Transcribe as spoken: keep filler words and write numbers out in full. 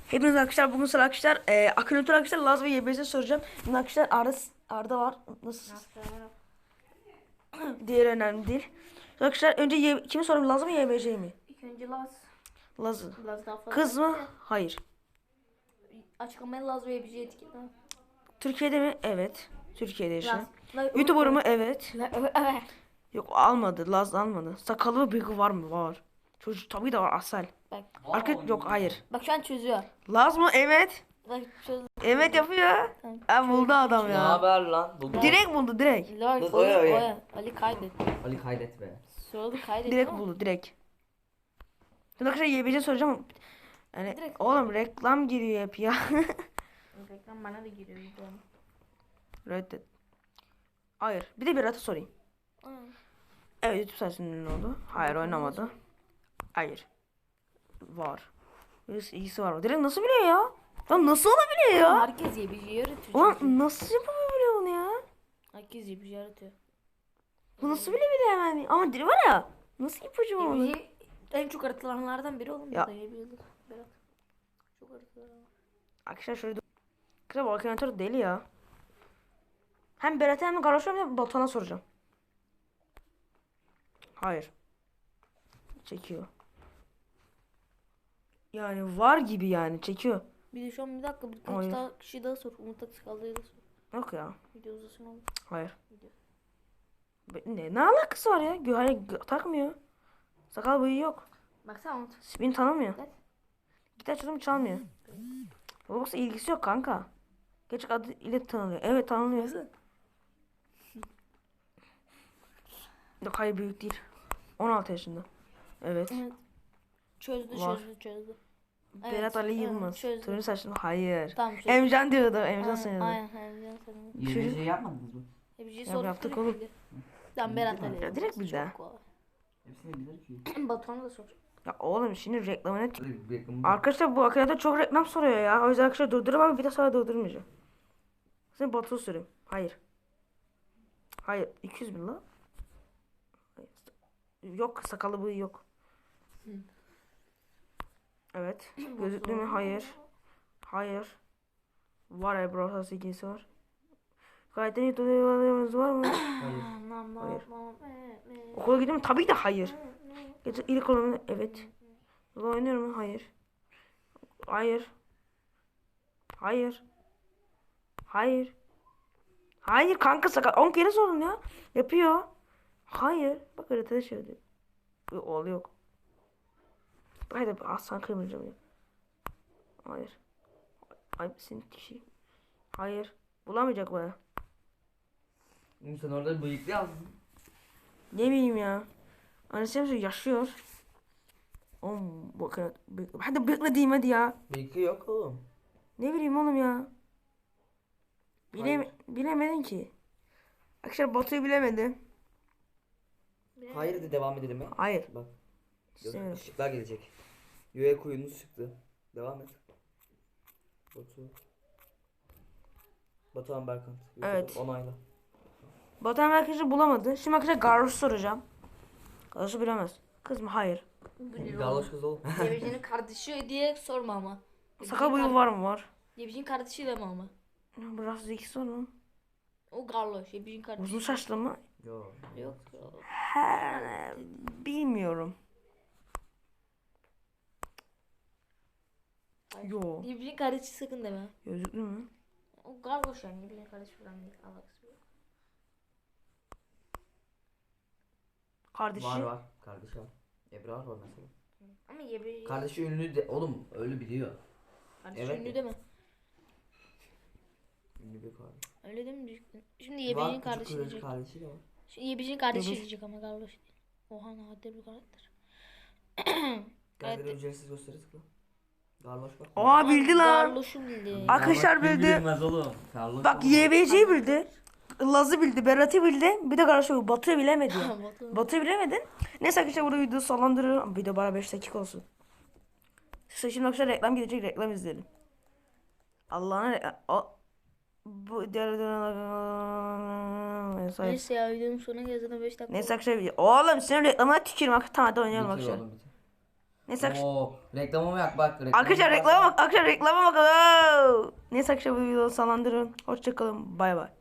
Hepiniz arkadaşlar bugün sıra arkadaşlar e, Akınatör arkadaşlar Laz ve Y B C soracağım. Şimdi arkadaşlar Arda, Arda var. Nasılsınız? Diğer önemli değil. Arkadaşlar önce y, kimi sorayım, Laz mı Y B C mi? İlk önce Laz. Laz'ı. Laz daha fazla. Kız mı? Hayır. Açıklamaya Laz ve bir şey etiketle. Türkiye'de mi? Evet. Türkiye'de yaşıyor. Laz. YouTuber mu? Evet. Evet. Yok, almadı. Laz almadı. Sakalı ve bıyığı var mı? Var. Çocuk tabii de var, asal. Bak. Arka yok, hayır. Bak şu an çözüyor. Laz mı? Evet. Bak çöz. Evet yapıyor. Tamam. Ha, buldu adam Ne ya. haber lan? Buldum. Direkt buldu, direkt. Laz. Dur, Oya, oya, oya. oya. Ali kaydet. Ali kaydet be. Soyadı kaydet. Direkt ama. buldu, direkt. Şimdi arkadaşlar Y B C soracağım. Yani Direkt. oğlum reklam giriyor hep ya. Reklam bana da giriyor. videom. Reddet. Hayır. Bir de Berat'a sorayım. Aa. Evet, YouTube sayesinde ne oldu? Hayır, oynamadı. Hayır. Var. Birisi ilgisi var mı? Direkt nasıl biliyor ya? Lan nasıl olabiliyor ya? Herkes ye bir şey yaratıyor. Ulan çünkü. nasıl yapabiliyor bunu ya? Herkes ye bir şey yaratıyor. Bu nasıl bilebiliyor hemen? Ama diri var ya. Nasıl ipucu Ye onu? bir şey en çok aratılanlardan biri oğlum. Ya. Ya. Da ye bir yıldır. Berat. Çok aratılan. Arkadaşlar şöyle dur. Kısa bu akınatör deli ya. Hem Berat'a hem Garoş'a hem de Batuhan'a soracağım. Hayır. Çekiyor. Yani var gibi, yani çekiyor. Bir de şu an bir dakika birkaç Hayır. daha kişi daha sor. Umut Aksakallı'ya da sor. Yok ya. Video uzasın oğlum. Hayır. Video. Be- Ne, ne alakası var ya? Gö hayır, gö- takmıyor. Sakal bıyığı yok. Baksana Umut. Beni tanımıyor. Evet. Gitar çalımı çalmıyor. Yoksa ilgisi yok kanka. Gerçek adı ile tanınıyor. Evet, tanınıyor. Yok, hayır, büyük değil. on altı yaşında. Evet. Evet. Çözdü Var. çözdü çözdü. Berat Evet, Ali evet, Yılmaz. çözdüm. Turuncu saçlı mı? Hayır. Tamam çözdü. Emcan diyordu. Emcan Aynen sanıyordu. aynen. Aynen sanırım. Y B C yapmadınız mı? E bir şey Ya sorduk. yaptık direkt oğlum. bildi. Tamam Berat Ali. Ya direkt bildi ha. Çok kolay. Hepsini bilir ki. Batuhan'a da sor. Ya oğlum, şimdi reklamına... Hadi bir yakın bak. Arkadaşlar bu akıllarda çok reklam soruyor ya. O yüzden arkadaşlar durdururum ama bir de sonra durdurmayacağım. Şimdi Batu'yu sorayım. Hayır. Hayır. iki yüz bin la. Hayır. Yok, sakalı bıyığı yok. Evet. Gözlüklü mü? Hayır. Hayır. Var, Ebru ilgisi var. Gayet iyi tutuyoruz var mı? Hayır. Hayır. Okula gidiyor mu? Tabii ki de hayır. Gece ilk olanı evet. Burada oynuyor mu? Hayır. Hayır. Hayır. Hayır. Hayır kanka, sakal. on kere sordum ya. Yapıyor. Hayır. Bak haritada şöyle. Bir oğlu yok. Haydi aslan kırmayacağım ya. Hayır. Ay senin kişi. Hayır. Bulamayacak bana. Oğlum sen orada bıyıklı yazdın. Ne bileyim ya. Annesi hemşire yaşıyor. Oğlum bakın. Hadi bıyıklı diyeyim hadi ya. Bıyıklı yok oğlum. Ne bileyim oğlum ya. Bile Hayır. bilemedin ki. Arkadaşlar Batu'yu bilemedi. Hayır de devam edelim ya. Hayır. Bak. İstemiyorum. Işıklar gelecek. Yüğe kuyunuz çıktı. Devam et. Batu. Batuhan Berkant. Evet. Onayla. Batu hemen arkadaşlar bulamadı. Şimdi arkadaşlar Garloş'u soracağım. Garloş'u bilemez. Kız mı? Hayır. Galoş kız oğlum. Yebici'nin kardeşi diye sorma ama. Sakal bıyığı var mı? Var. Yebici'nin kardeşiyle mi ama? Biraz zeki sor mu? O Garloş. Yebici'nin kardeşi. Uzun saçlı mı? Yok. Yok. He, bilmiyorum. Yo. Yebici'nin kardeşi sakın deme. Gözlüklü mü? O Garloş yani. Yebici'nin kardeşi falan değil. Alakası yok. Kardeşi. Var var. Kardeşi var. Ebrar var mesela. Ama Yebici... Kardeşi ünlü de oğlum öyle biliyor. Kardeşi Evet. ünlü deme. Ünlü bir kardeş. Öyle değil mi diyecektin? Şimdi Var, Yebici'nin küçük kardeşi kız diyecek. kardeşi de var. Şimdi Yebici'nin kardeşi Yebici- diyecek ama Garloş değil. Oha nadir bir karakter. Gel ücretsiz gösteri tıkla. Garloş bak. Aa, bildi lan. Garloş'u bildi. Arkadaşlar Garloş bildi. Bilmez oğlum. Garloş Bak oğlum. Y B C'yi bildi. Laz'ı bildi. Berat'ı bildi. Bir de Garloş'u. Batu'yu bilemedi ya. Batu. Batu'yu bilemedin. Neyse arkadaşlar burada video sallandırıyorum. Video bana beş dakika olsun. İşte şimdi arkadaşlar reklam gidecek, reklam izleyelim. Allah'ına reklam. O... Bu Neyse. Neyse ya videonun sonuna geldiğinde beş dakika. Neyse arkadaşlar. Oğlum senin reklamına tükürüm. Tamam hadi oynayalım Bitir arkadaşlar. oğlum, bitir. Neyse arkadaşlar. Oo, reklamı mı yak bak. reklamı Arkadaşlar bak. reklama bak. Arkadaşlar reklama bakın. Neyse arkadaşlar bu videoyu sonlandırın. Hoşçakalın. Bay bay.